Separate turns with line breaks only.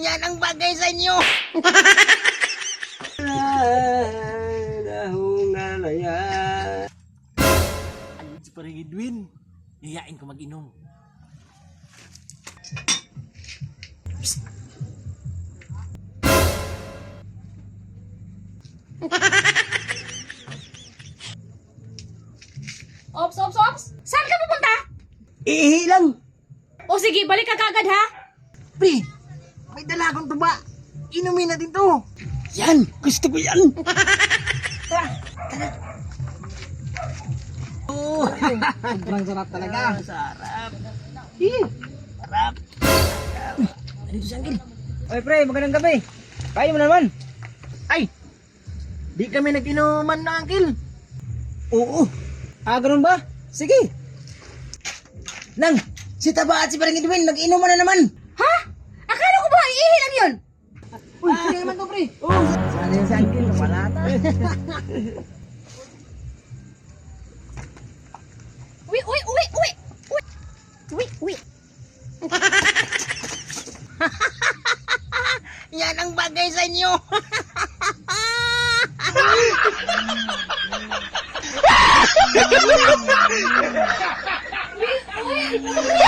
Yan ang bagay sa inyo.
Ayun si Parang Edwin. Yayain ko mag-inom.
Ops, ops, ops! Saan ka pupunta?
Iihi lang.
O sige, balik ka kagad ha?
Pre, may dala akong tuba. Inumin natin to. Yan, gusto ko yan. Oh, sobrang sarap talaga. Sarap. Sarap. Ano ito si Uncle?
Oy pre, magandang gabi. Kayo mo naman.
Ay, di kami nag-inuman na, Uncle.
Oo. Ah, ganun ba? Sige.
Nang, si Taba at si Parang Edwin, nag-inuman na naman.
Ha? Akala ko ba iihi lang yun?
Uy, sige naman to, pre.
Sana yung si Uncle, kamalata.
Uwi, uwi, uwi, uwi! Uwi, uwi, uwi.
Yan ang bagay sa inyo.
Uwi, uwi, uwi.